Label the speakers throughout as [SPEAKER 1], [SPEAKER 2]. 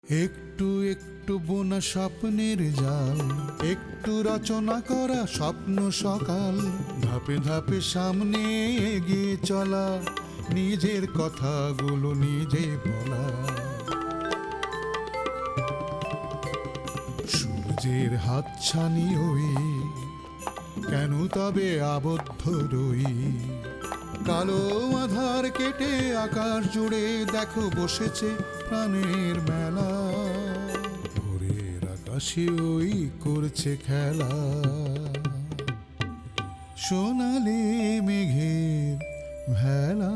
[SPEAKER 1] একটু একটু বোনা স্বপ্নের জাল, একটু রচনা করা স্বপ্ন সকাল, ধাপে ধাপে সামনে এগিয়ে চলা, নিজের কথাগুলো নিজে বলা। সূর্যের হাতছানি হই, কেন তবে আবদ্ধ রই? কালো আধার কেটে আকাশ জুড়ে দেখো বসেছে প্রাণের মেলা, ভোরের আকাশে ওই করছে খেলা, সোনালি মেঘের ভেলা।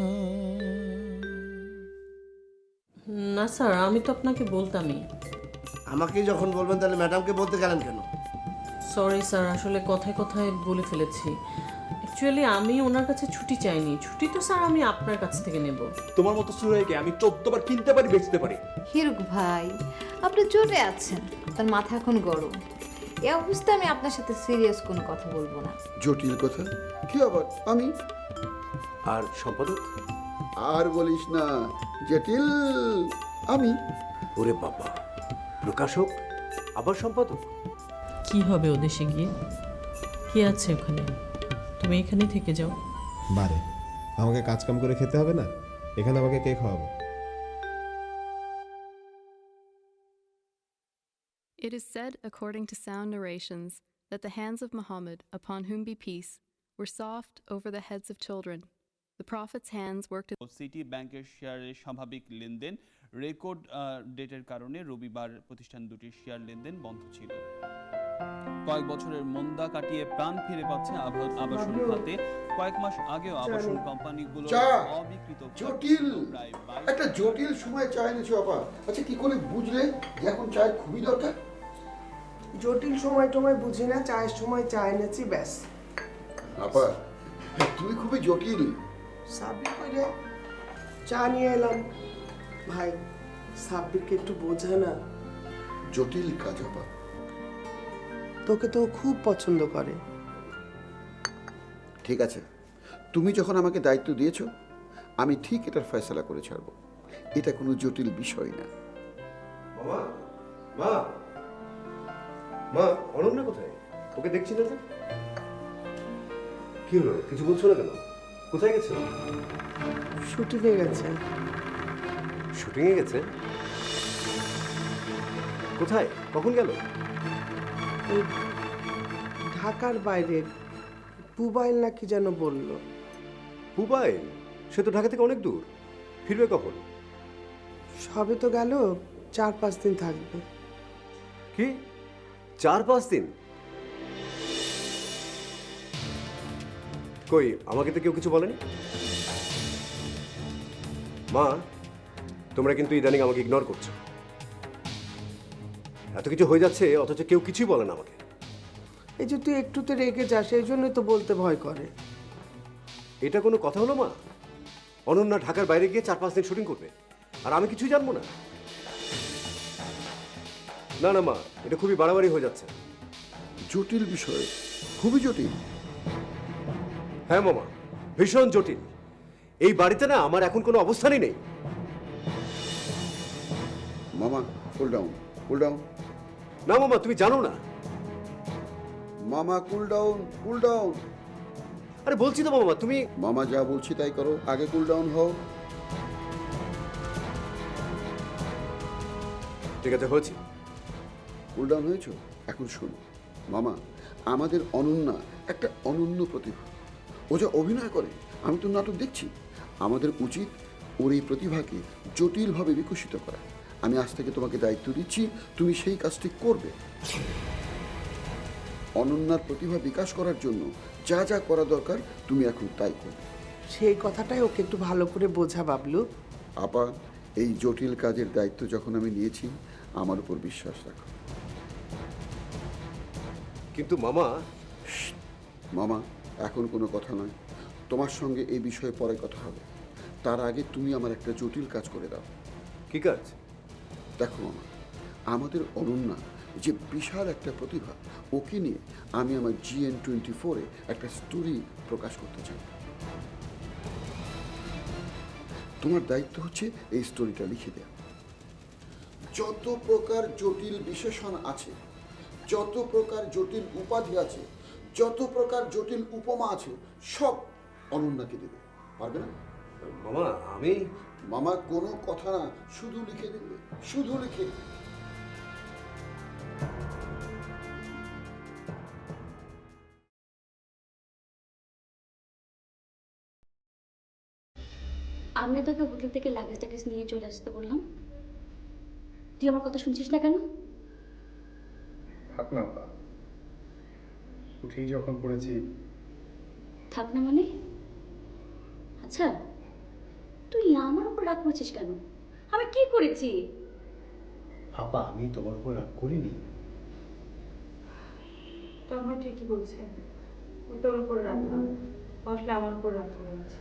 [SPEAKER 2] না স্যার, আমি তো আপনাকে বলতামই।
[SPEAKER 3] আমাকেই যখন বলবেন তাহলে ম্যাডামকে বলতে গেলেন কেন?
[SPEAKER 2] সরি স্যার, আসলে কথায় কথায় বলে ফেলেছি। অ্যাকচুয়ালি আমি ওনার কাছে ছুটি চাইনি, ছুটি তো স্যার আমি আপনার কাছ থেকে নেব।
[SPEAKER 4] তোমার মতো সুরাইকে আমি 14 বার কিনতে পারি, বেচতে পারি।
[SPEAKER 5] হিরুক ভাই, আপনি চটে আছেন, তার মাথা এখন গরম। এই অবস্থায় আমি আপনার সাথে সিরিয়াস কোনো কথা বলবো না।
[SPEAKER 6] জটিল কথা কি আবার? আমি
[SPEAKER 4] আর সম্পাদক?
[SPEAKER 6] আর বলিস না, জটিল আমি।
[SPEAKER 4] ওরে বাবা, প্রকাশক আবার সম্পাদক?
[SPEAKER 2] কি হবে ও দেশে গিয়ে? কি আছে ওখানে? তুমি এখানেই থেকে যাও।
[SPEAKER 7] বারে আমাকে কাজ কাম করে খেতে হবে না? এখানে আমাকে কে খাওয়াবে?
[SPEAKER 8] It is said, according to sound narrations, that the hands of Muhammad, upon whom be peace, were soft over the heads of children. The Prophet's hands worked
[SPEAKER 9] city ব্যাংকের শেয়ারের স্বাভাবিক লেনদেন রেকর্ড ডেটের কারণে রবিবার প্রতিষ্ঠান দুটির শেয়ার লেনদেন বন্ধ ছিল। কয়েক বছরের মন্দা কাটিয়ে প্রাণ ফিরে পাচ্ছে আবাসন খাতে। কয়েক মাস আগেও আবাসন কোম্পানিগুলো অবিকৃত
[SPEAKER 6] জটিল একটা জটিল সময় চা এনেছো আপা। আচ্ছা কি করে বুঝলে যে এখন চায়ের খুবই দরকার?
[SPEAKER 10] জটিল সময় টময় বুঝি না, চায়ের সময় চা এনেছি ব্যাস।
[SPEAKER 6] আপা তুমি খুবই জটিল।
[SPEAKER 10] সাব্বির করে চা নিয়ে এলাম। ভাই সাব্বিরকে একটু বোঝা না,
[SPEAKER 6] জটিল কাজ আপা।
[SPEAKER 10] তোকে তো ও খুব পছন্দ করে।
[SPEAKER 6] ঠিক আছে, তুমি যখন আমাকে দায়িত্ব দিয়েছো আমি ঠিক এটার ফয়সালা করে ছাড়বো। এটা কোনো জটিল বিষয় না।
[SPEAKER 4] মামা, মা, মা, অনন্যা কোথায়? ওকে দেখছি না তো। কি হলো, কিছু বলছো না কেন? কোথায় গেছে?
[SPEAKER 10] শুটিংয়ে গেছে।
[SPEAKER 4] শুটিংয়ে গেছে? কোথায়, কখন গেল?
[SPEAKER 10] ওই ঢাকার বাইরে পুবাইল না কি যেন বললো।
[SPEAKER 4] পুবাইল? সে তো ঢাকা থেকে অনেক দূর। ফিরবে কখন?
[SPEAKER 10] সবে তো গেল, 4-5 দিন থাকবে।
[SPEAKER 4] কি 4-5 দিন? কই আমাকে তো কেউ কিছু বলেনি। মা, তোমরা কিন্তু ইদানিং আমাকে ইগনোর করছো। এত কিছু হয়ে যাচ্ছে অথচ কেউ কিছুই বলে না আমাকে।
[SPEAKER 10] এই যে তুই একটুতে রেগে যাস, এই জন্যই তো বলতে ভয় করে।
[SPEAKER 4] এটা কোনো কথা হলো মা? অনন্যা ঢাকার বাইরে গিয়ে 4-5 দিন শুটিং করবে আর আমি কিছুই জানবো না? না না মা, এটা খুবই বাড়াবাড়ি হয়ে যাচ্ছে।
[SPEAKER 6] জটিল বিষয়, খুবই জটিল।
[SPEAKER 4] হ্যাঁ মামা, ভীষণ জটিল। এই বাড়িতে না আমার এখন কোনো অবস্থানই নেই।
[SPEAKER 6] মামা কুল ডাউন, কুল ডাউন।
[SPEAKER 4] না মামা, তুমি জানো না।
[SPEAKER 6] মামা কুল ডাউন, কুল ডাউন।
[SPEAKER 4] আরে বলছি তো মামা, তুমি।
[SPEAKER 6] মামা যা বলছি তাই করো, আগে কুল ডাউন হও।
[SPEAKER 4] ঠিক আছে, হয়েছে।
[SPEAKER 6] কুল ডাউন হয়েছ? এখন শোনো মামা, আমাদের অনন্যা একটা অনন্য প্রতিভা। ও যা অভিনয় করে, আমি তো নাটক দেখছি। আমাদের উচিত ওর এই প্রতিভাকে জটিলভাবে বিকশিত করা। আমি আজ থেকে তোমাকে দায়িত্ব দিচ্ছি, তুমি সেই কাজটি করবে। অনন্যার প্রতিভা বিকাশ করার জন্য যা যা করা দরকার তুমি এখন তাই করবে।
[SPEAKER 10] সেই কথাটাই ওকে একটু ভালো করে বোঝা বাবলু।
[SPEAKER 6] আপা, এই জটিল কাজের দায়িত্ব যখন আমি নিয়েছি, আমার উপর বিশ্বাস রাখো।
[SPEAKER 4] কিন্তু মামা।
[SPEAKER 6] মামা, এখন কোনো কথা নয়। তোমার সঙ্গে এই বিষয়ে পরে কথা হবে। তার আগে তুমি আমার একটা জটিল কাজ করে দাও।
[SPEAKER 4] কি কাজ?
[SPEAKER 6] দেখো মামা, আমাদের অনন্যা যে বিশাল একটা প্রতিভা, ওকে নিয়ে আমি আমার GN24-এ একটা স্টোরি প্রকাশ করতে চাই। তোমার দায়িত্ব হচ্ছে এই স্টোরিটা লিখে দেওয়া। যত প্রকার জটিল বিশেষণ আছে, যত প্রকার জটিল উপাধি আছে, যত প্রকার জটিল উপমা আছে, সব অনন্যাকে দেবে। পারবে না?
[SPEAKER 4] মামা আমি
[SPEAKER 6] মামা কোনো কথা না, শুধু লিখে দেবে, শুধু লিখে।
[SPEAKER 11] আমি তোকে হোটেল থেকে লাগেজ টাগেজ নিয়ে চলে আসতে বললাম, তুই আমার কথা শুনছিস না কেন?
[SPEAKER 12] থাক না, উঠেই যখন পড়েছি।
[SPEAKER 11] থাক না মানে? আচ্ছা, তুই আমার উপর রাগ করছিস কেন? আমি কি করেছি?
[SPEAKER 12] আপা, আমি তোমার উপর রাগ করিনি।
[SPEAKER 2] তখন ঠিকই বলছে, তোর উপর রাগ না, আসলে আমার উপর রাগ করেছে।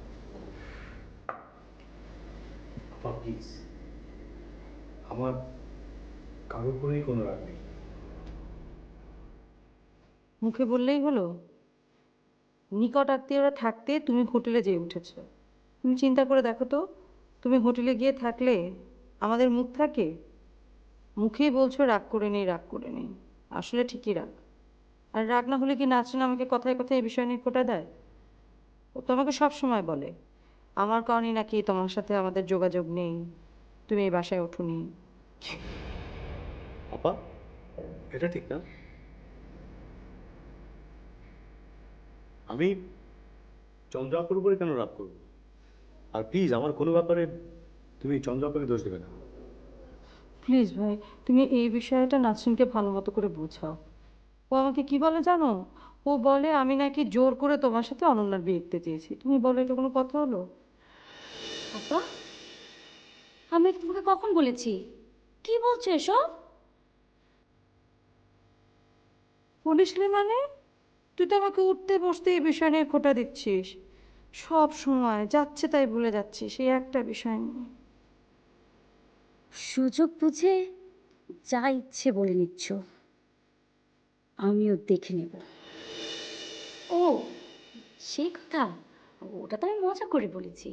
[SPEAKER 12] আপা প্লিজ, আমার কারোর উপরেই কোনো রাগ নেই।
[SPEAKER 2] মুখে বললেই হলো? নিকট আত্মীয়রা থাকতে তুমি হোটেলে যেয়ে উঠেছ। তুমি চিন্তা করে দেখো তো, তুমি হোটেলে গিয়ে থাকলে আমাদের মুখ থাকে? মুখেই বলছো রাগ করে নেই, রাগ করে নেই, আসলে ঠিকই রাগ। আর রাগ না হলে কি নাচরিন আমাকে কথায় কথায় এই বিষয় নিয়ে খোঁটা দেয়? ও তো আমাকে সবসময় বলে আমার কারণে নাকি তোমার সাথে আমাদের যোগাযোগ নেই, তুমি এই বাসায় ওঠোনি।
[SPEAKER 12] আপা, এটা ঠিক না। আমি চন্দ্রাপুর উপরে কেন রাগ করবো? আর প্লিজ, আমার কোনো ব্যাপারে তুমি চন্দ্রাপুরকে দোষ দেবে না।
[SPEAKER 2] প্লিজ ভাই, তুমি এই বিষয়টা নাসরিনকে ভালো মতো করে বোঝাও। ও আমাকে কি বলে জানো? ও বলে আমি নাকি জোর করে তোমার সাথে অনন্যার বিয়ে দিতে চেয়েছি। তুমি বলো এটা কোনো কথা হলো?
[SPEAKER 11] আপা, আমি তোমাকে কখন বলেছি? কি বলছো এসব?
[SPEAKER 2] বলিসনি মানে? তুই তো আমাকে উঠতে বসতে এই বিষয় নিয়ে খোঁটা দিচ্ছিস। সব সময় যাচ্ছে তাই ভুলে যাচ্ছিস এই একটা বিষয় নিয়ে।
[SPEAKER 11] সুযোগ বুঝে যা ইচ্ছে বলে নিচ্ছ, আমিও দেখে নেব। ও সে কথা, ওটা তো আমি মজা করে বলেছি।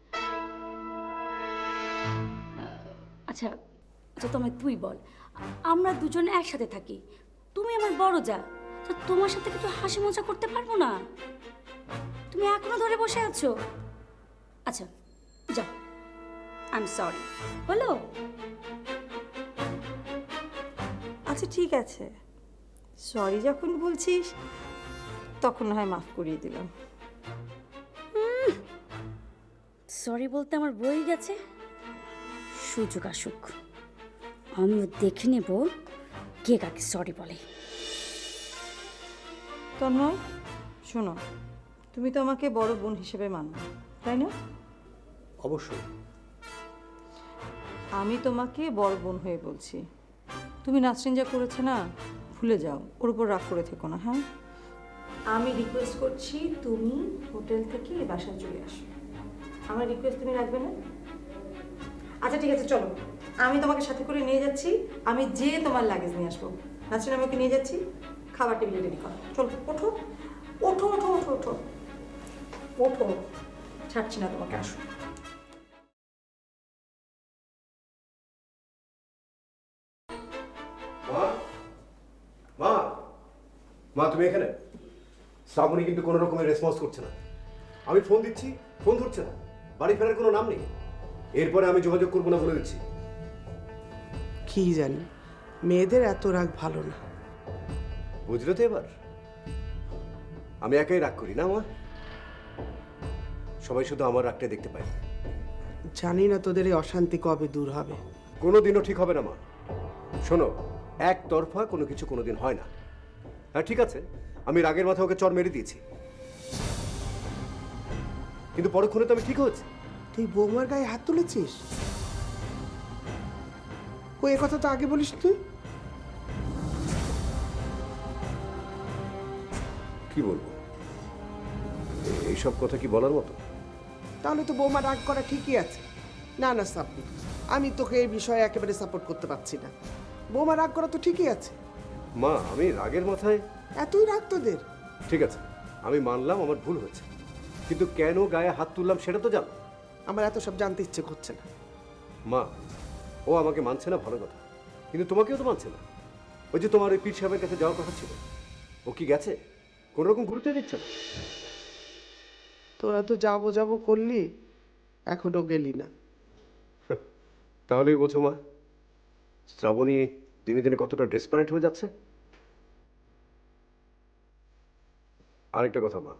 [SPEAKER 11] আচ্ছা আচ্ছা, তোমায় তুই বল, আমরা দুজন একসাথে থাকি, তুমি আমার বড় যা, তো তোমার সাথে কিছু হাসি মজা করতে পারবো না? তুমি এখনো ধরে বসে আছো? আচ্ছা যাও, আই এম সরি বলো।
[SPEAKER 2] আচ্ছা ঠিক আছে, সরি যখন বলছিস তখন না হয় মাফ করিয়ে দিলাম।
[SPEAKER 11] সরি বলতে আমার বই গেছে, সুযোগ আসুক, আমিও দেখে নেব কে কাকে সরি বলে।
[SPEAKER 2] তন্ময় শোনো, তুমি তো আমাকে বড় বোন হিসেবে মানো, তাই না?
[SPEAKER 12] অবশ্যই।
[SPEAKER 2] আমি তোমাকে বড় বোন হয়ে বলছি, তুমি নাসরিন যা করেছে না, ভুলে যাও, ওর উপর রাগ করে থেকো না। হ্যাঁ, আমি রিকোয়েস্ট করছি তুমি হোটেল থেকে এই বাসায় চলে আসো। আমার রিকোয়েস্ট তুমি রাখবে না? আচ্ছা ঠিক আছে, চলো আমি তোমাকে সাথে করে নিয়ে যাচ্ছি, আমি যে তোমার লাগেজ নিয়ে আসবো। নাসরিন আমাকে নিয়ে যাচ্ছি, খাবার টেবিলে রেডি করো। চলো ওঠো ওঠো ওঠো ওঠো ওঠো ওঠো, ছাড়ছি না তোমাকে, আসো।
[SPEAKER 4] মা, মা, মা তুমি এখানে? শ্রাবণী কিন্তু কোনো রকমের রেসপন্স করছে না। আমি ফোন দিচ্ছি, ফোন ধরছে না, বাড়ি ফেরার কোনো নাম নেই। এরপরে আমি যোগাযোগ করবো না বলে দিচ্ছি।
[SPEAKER 10] কি জানি, মেয়েদের এত রাগ ভালো না।
[SPEAKER 4] বুঝলে তো এবার? আমি একাই রাগ করি না মা, সবাই শুধু আমার রাগটা দেখতে পায়।
[SPEAKER 10] জানি না তোদের এই অশান্তি কবে দূর হবে।
[SPEAKER 4] কোনোদিনও ঠিক হবে না মা। শোনো, একতরফা কোনো কিছু কোনোদিন হয় না। হ্যাঁ ঠিক আছে, আমি রাগের মাথায় ওকে চড় মেরে দিয়েছি, কিন্তু পরক্ষণে তো আমি ঠিক হয়েছি।
[SPEAKER 10] তুই বৌমার গায়ে হাত তুলেছিস? কই, এ কথা তো আগে বলিস তুই।
[SPEAKER 4] কি বলবো, এইসব কথা কি বলার মতো?
[SPEAKER 10] তাহলে তো বৌমা রাগ করা ঠিকই আছে। না না সাব্বির, আমি তোকে এই বিষয়ে একেবারে সাপোর্ট করতে পারছি না। বৌমা রাগ করা তো ঠিকই আছে।
[SPEAKER 4] মা, আমি রাগের মাথায়
[SPEAKER 10] এতই রাগ তোদের?
[SPEAKER 4] ঠিক আছে, আমি মানলাম আমার ভুল হয়েছে, কিন্তু কেন গায়ে হাত তুললাম সেটা তো জানো।
[SPEAKER 10] আমার এত সব জানতে ইচ্ছে করছে না।
[SPEAKER 4] মা, ও আমাকে মানছে না ভালো কথা, কিন্তু তোমাকেও তো মানছে না। ওই যে তোমার ওই পীর সাহেবের কাছে যাওয়ার কথা ছিল, ও কি গেছে? কোনো রকম গুরুত্ব দিচ্ছে না।
[SPEAKER 10] তোরা তো যাবো যাবো করলি, এখনো গেলি না।
[SPEAKER 4] তাহলেই বোঝো মা, শ্রাবণী দিনে দিনে কতটা ডেসপারেট হয়ে যাচ্ছে। আরেকটা কথা মা,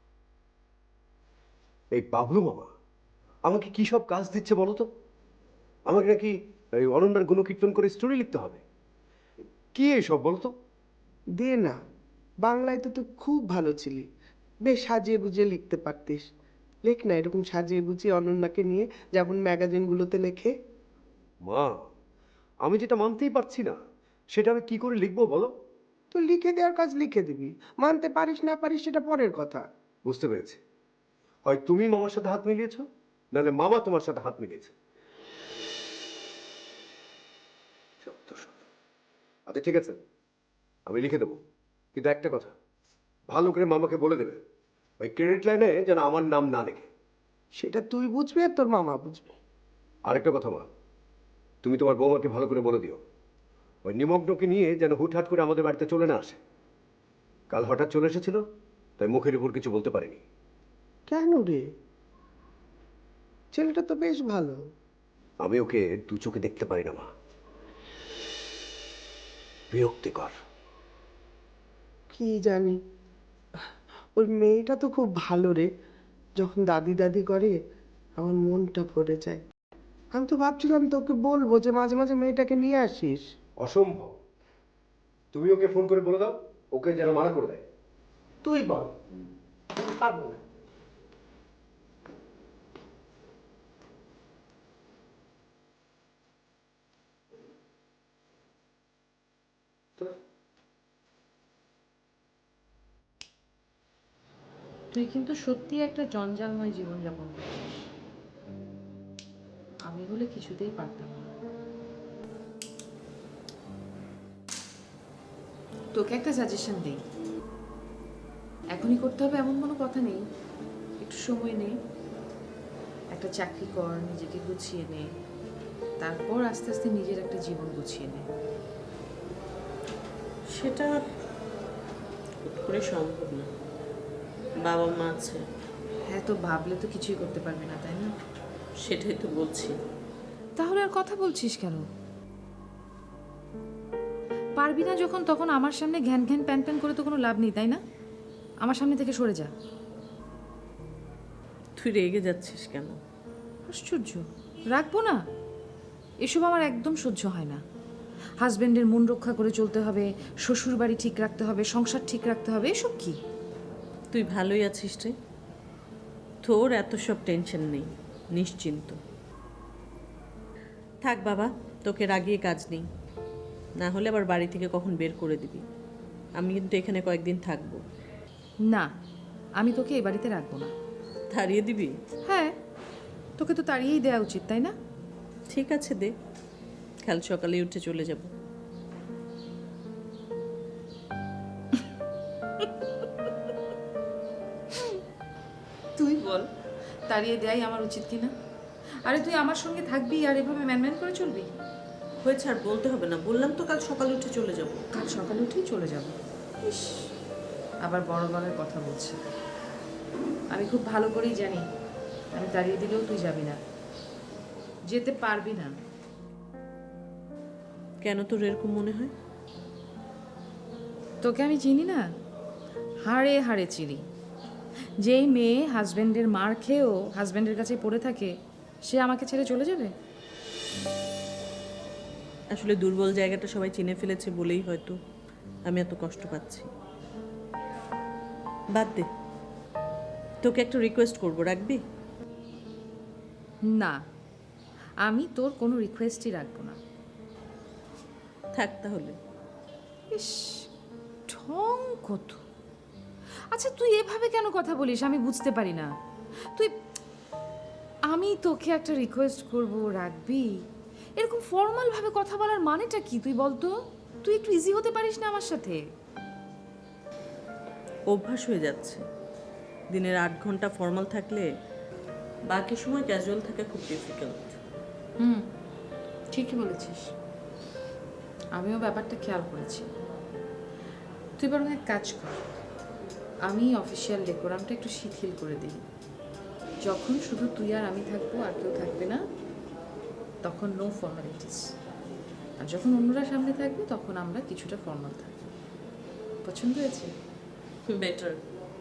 [SPEAKER 4] এই বাবলু মামা আমাকে কি সব কাজ দিচ্ছে বলো তো? আমাকে নাকি এই অনন্যার গুণকীর্তন করে স্টোরি লিখতে হবে। কি এইসব বলো তো?
[SPEAKER 10] দে না, বাংলায় তো তুই খুব ভালো ছিলি, বেশ সাজিয়ে গুজিয়ে লিখতে পারতিস। লেখ না এরকম সাজিয়ে গুজিয়ে অনন্যাকে নিয়ে, যেমন ম্যাগাজিনগুলোতে লেখে।
[SPEAKER 4] মা, আমি যেটা মানতেই পারছি না সেটা আমি কি করে লিখবো বলো?
[SPEAKER 10] তো লিখে দেওয়ার কাজ লিখে দিবি, মানতে পারিস না পারিস সেটা পরের কথা।
[SPEAKER 4] বুঝতে পেরেছি, হয় তুমি মামার সাথে হাত মিলিয়েছো, নাহলে মামা তোমার সাথে হাত মিলিয়েছে। আচ্ছা ঠিক আছে, আমি লিখে দেবো, কিন্তু একটা কথা, ভালো করে মামাকে বলে দেবে ওই ক্রেডিট লাইনে যেন আমার নাম না লেখে।
[SPEAKER 10] সেটা তুই বুঝবি আর তোর মামা বুঝবে।
[SPEAKER 4] আরেকটা কথা মা, তুমি তোমার বৌমাকে ভালো করে বলে দিও ওই নিমগ্নকে নিয়ে যেন হুটহাট করে আমাদের বাড়িতে চলে না আসে। কাল হঠাৎ চলে এসেছিল, তাই মুখের উপর কিছু বলতে পারিনি।
[SPEAKER 10] কেন রে? ছেলেটা তো বেশ ভালো।
[SPEAKER 4] আমি ওকে দু চোখে দেখতে পারি না মা, বিরক্তিকর।
[SPEAKER 10] কি জানি, ওই মেয়েটা তো খুব ভালো রে, যখন দাদি দাদি করে আমার মনটা ভরে যায়। আমি তো ভাবছিলাম তোকে বলবো যে মাঝে মাঝে মেয়েটাকে নিয়ে আসিস।
[SPEAKER 4] অসম্ভব, তুমি ওকে ফোন করে বলে দাও ওকে যেন মানা করে দেয়।
[SPEAKER 10] তুই বল, পারবো না।
[SPEAKER 2] তুই কিন্তু সত্যি একটা জঞ্জালময় জীবনযাপন করছিস। আমি বলে কিছুতেই পারতাম না। তোকে একটা সাজেশন দিই, এখনই করতে হবে এমন কোনো কথা নেই, একটু সময় নে, একটা চাকরি কর, নিজেকে গুছিয়ে নে, তারপর আস্তে আস্তে নিজের একটা জীবন গুছিয়ে নে।
[SPEAKER 13] সেটা হুট করে সম্ভব না, বাবা মা আছে।
[SPEAKER 2] হ্যাঁ, তো ভাবলে তো কিছুই করতে পারবি না, তাই না?
[SPEAKER 13] সেটাই তো বলছি।
[SPEAKER 2] তাহলে আর কথা বলছিস কেন? পারবি না যখন, তখন আমার সামনে ঘ্যান ঘ্যান প্যান প্যান করে তো কোনো লাভ নেই, তাই না? আমার সামনে থেকে সরে যা।
[SPEAKER 13] তুই রেগে যাচ্ছিস কেন?
[SPEAKER 2] আশ্চর্য, রাখবো না? এসব আমার একদম সহ্য হয় না। হাজবেন্ডের মন রক্ষা করে চলতে হবে, শ্বশুর বাড়ি ঠিক রাখতে হবে, সংসার ঠিক রাখতে হবে, এসব কি?
[SPEAKER 13] তুই ভালোই আছিস রে, তোর এত সব টেনশন নেই, নিশ্চিন্ত থাক বাবা। তোকে রাগিয়ে কাজ নেই, না হলে আবার বাড়ি থেকে কখন বের করে দিবি। আমি কিন্তু এখানে কয়েকদিন থাকবো।
[SPEAKER 2] না, আমি তোকে এই বাড়িতে রাখবো না।
[SPEAKER 13] তাড়িয়ে দিবি?
[SPEAKER 2] হ্যাঁ, তোকে তো তাড়িয়েই দেওয়া উচিত, তাই না?
[SPEAKER 13] ঠিক আছে দে, কাল সকালে উঠে চলে যাব।
[SPEAKER 2] তুই বল, তাড়িয়ে দেয়াই আমার উচিত কিনা? আরে তুই আমার সঙ্গে থাকবি আর এভাবে ম্যানম্যান করে চলবি?
[SPEAKER 13] হয়েছে, আর বলতে হবে না, বললাম তো কাল সকালে উঠে চলে যাব।
[SPEAKER 2] কাল সকালে উঠেই চলে যাব? ইস, আবার বড় গলায় কথা বলছে। আমি খুব ভালো করেই জানি আমি তাড়িয়ে দিলেও তুই যাবি না, যেতে পারবি না।
[SPEAKER 13] কেন তোর এরকম মনে হয়?
[SPEAKER 2] তোকে আমি চিনি না, হাড়ে হাড়ে চিনি। যেই মেয়ে হাজব্যান্ডের মার খেয়েও হাজব্যান্ডের কাছে পড়ে থাকে, সে আমাকে ছেড়ে চলে যাবে?
[SPEAKER 13] আসলে দুর্বল জায়গাটা সবাই চিনে ফেলেছে বলেই হয়তো আমি এত কষ্ট পাচ্ছি। বাদ দে, তোকে একটা রিকোয়েস্ট করবো, রাখবি?
[SPEAKER 2] না, আমি তোর কোনো রিকোয়েস্টই রাখবো না।
[SPEAKER 13] থাক তাহলে।
[SPEAKER 2] ইস, ঢং কত! আচ্ছা, তুই এভাবে কেন কথা বলিস আমি বুঝতে পারি না। তুই, আমি তোকে একটা রিকোয়েস্ট করব, রাখবি? এরকম ফর্মাল ভাবে কথা বলার মানেটা কি তুই বলতো? তুই একটু ইজি হতে পারিস না আমার সাথে?
[SPEAKER 13] অভ্যাস হয়ে যাচ্ছে, দিনের 8 ঘন্টা ফর্মাল থাকলে বাকি সময় ক্যাজুয়াল থাকা খুব ডিফিকাল্ট।
[SPEAKER 14] ঠিকই বলেছিস, আমিও ব্যাপারটা খেয়াল করেছি। তুই বরং এক কাজ কর, আমি অফিসিয়াল ডেকোরামটা একটু শিথিল করে দিই। যখন শুধু তুই আর আমি থাকবো, আর কেউ থাকবে না, তখন নো ফর্মালিটিস। আর যখন অন্যরা সামনে থাকবে, তখন আমরা কিছুটা ফর্মাল থাকবো। পছন্দ হয়েছে?
[SPEAKER 13] বেটার।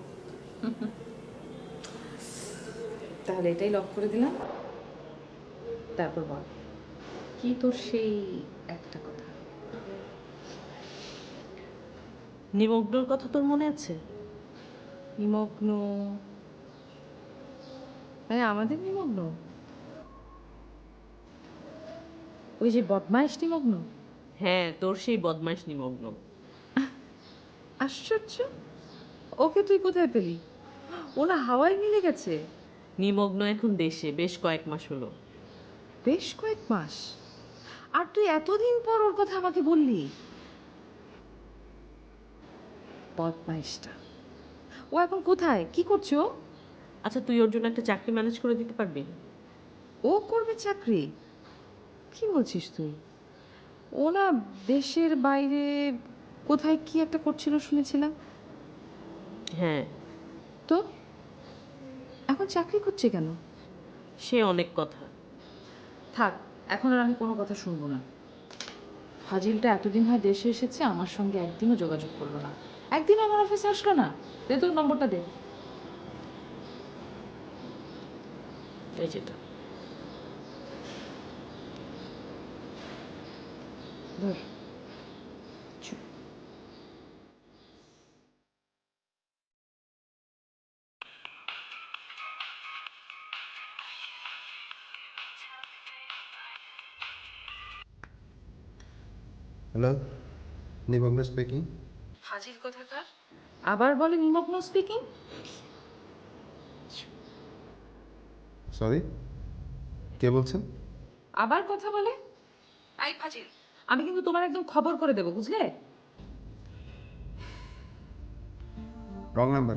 [SPEAKER 14] তাহলে এটাই লক করে দিলাম। তারপর বল, কি তোর সেই একটা কথা?
[SPEAKER 13] নিমগ্নর কথা তোর মনে আছে?
[SPEAKER 14] নিমগ্ন? হ্যাঁ, আমাদের নিমগ্ন, ওই যে বদমাইশ নিমগ্ন।
[SPEAKER 13] হ্যাঁ, তোর সেই বদমাইশ নিমগ্ন।
[SPEAKER 14] আশ্চর্য, ওকে তুই কোথায় পেলি? ওরা হাওয়ায় মিলে গেছে।
[SPEAKER 13] নিমগ্ন এখন দেশে, বেশ কয়েক মাস হলো।
[SPEAKER 14] বেশ কয়েক মাস? আর তুই এতদিন পর ওর কথা আমাকে বললি? বদমাইশটা, ও এখন কোথায়, কি করছো?
[SPEAKER 13] আচ্ছা, তুই ওর জন্য একটা চাকরি ম্যানেজ করে দিতে পারবি?
[SPEAKER 14] ও করবে চাকরি? কি বলছিস তুই? ও না দেশের বাইরে কোথায় কি একটা করছিল শুনেছিলাম।
[SPEAKER 13] হ্যাঁ।
[SPEAKER 14] তো এখন চাকরি করছে কেন?
[SPEAKER 13] সে অনেক কথা।
[SPEAKER 14] থাক, এখন আর আমি কোনো কথা শুনবো না। ফাজিলটা এতদিন হয় দেশে এসেছে, আমার সঙ্গে একদিনও যোগাযোগ করলো না, একদিন আমার অফিসে আসলো না। দে তোর নম্বরটা দে।
[SPEAKER 13] এই যেটা।
[SPEAKER 14] ধর।
[SPEAKER 7] হ্যালো, নিমগ্ন স্পিকিং।
[SPEAKER 14] ফাজিল কোথাকার, আবার বলে নিমগ্ন স্পিকিং।
[SPEAKER 7] সরি, কে বলছেন?
[SPEAKER 14] আবার কথা বলে। আই ফাজিল, আমি কিন্তু তোমার একদম খবর করে দেবো, বুঝলে?
[SPEAKER 7] Wrong number.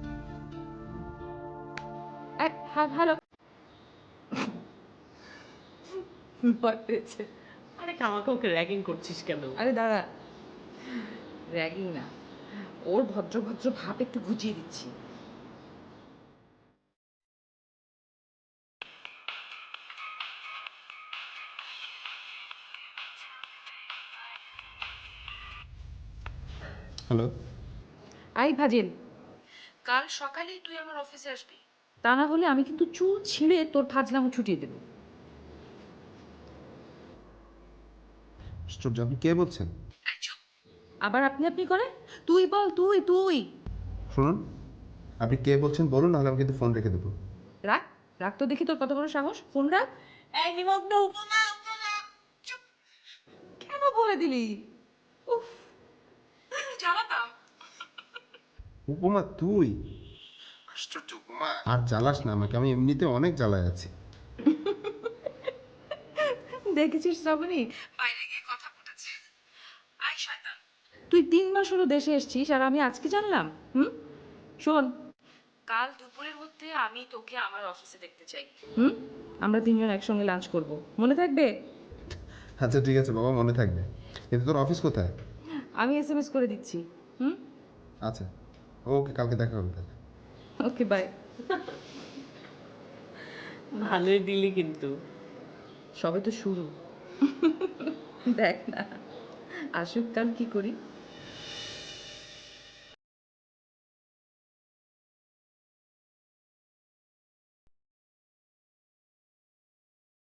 [SPEAKER 14] হ্যালো। ভয় পেয়েছে।
[SPEAKER 13] আরে কামাকে ওকে র্যাগিং করছিস কেন?
[SPEAKER 14] আরে দাঁড়া, র্যাগিং না, ওর ভদ্র ভদ্র ভাব একটু ঘুচিয়ে দিচ্ছি।
[SPEAKER 7] হ্যালো।
[SPEAKER 14] আই ফাজিল, কাল সকালেই তুই আমার অফিসে আসবি, তা না হলে আমি কিন্তু চুল ছিঁড়ে তোর ফাজলামো ছুটিয়ে দেবো।
[SPEAKER 7] আশ্চর্য, আপনি কে বলছেন?
[SPEAKER 14] আবার আপনি আপনি করে, তুই বল, তুই তুই।
[SPEAKER 7] শুনুন, আপনি কে বলছেন বলুন, নাহলে আমি কিন্তু ফোন রেখে দেবো।
[SPEAKER 14] রাখ, রাখ তো দেখি তোর কত বড় সাহস, ফোন রাখ। এই নিমগ্ন, উপমা উপমা। চুপ, কেন বলে দিলি? উফ, জ্বালাতাম।
[SPEAKER 7] উপমা তুই? আশ্চর্য, উপমা আর জ্বালাস না আমাকে, আমি এমনিতে অনেক জ্বালায় আছি।
[SPEAKER 14] দেখেছিস শ্রাবণী, বাইরে গিয়ে কথা ফুটেছে। আই শয়তান, তুই 3 মাস হলো দেশে এসেছিস আর আমি আজকে জানলাম? শোন, কাল দুপুরের মধ্যে আমি তোকে আমার অফিসে দেখতে চাই। আমরা 3 জন একসঙ্গে লাঞ্চ করব, মনে থাকবে?
[SPEAKER 7] আচ্ছা ঠিক আছে বাবা, মনে থাকবে। কিন্তু তোর অফিস কোথায়?
[SPEAKER 14] আমি SMS করে দিচ্ছি।
[SPEAKER 7] আচ্ছা, ওকে, কালকে দেখা হবে তাহলে।
[SPEAKER 14] Okay, bye.
[SPEAKER 13] ভালোই দিলি কিন্তু।
[SPEAKER 14] সবে তো শুরু, দেখ না আসুক কাল কি করি।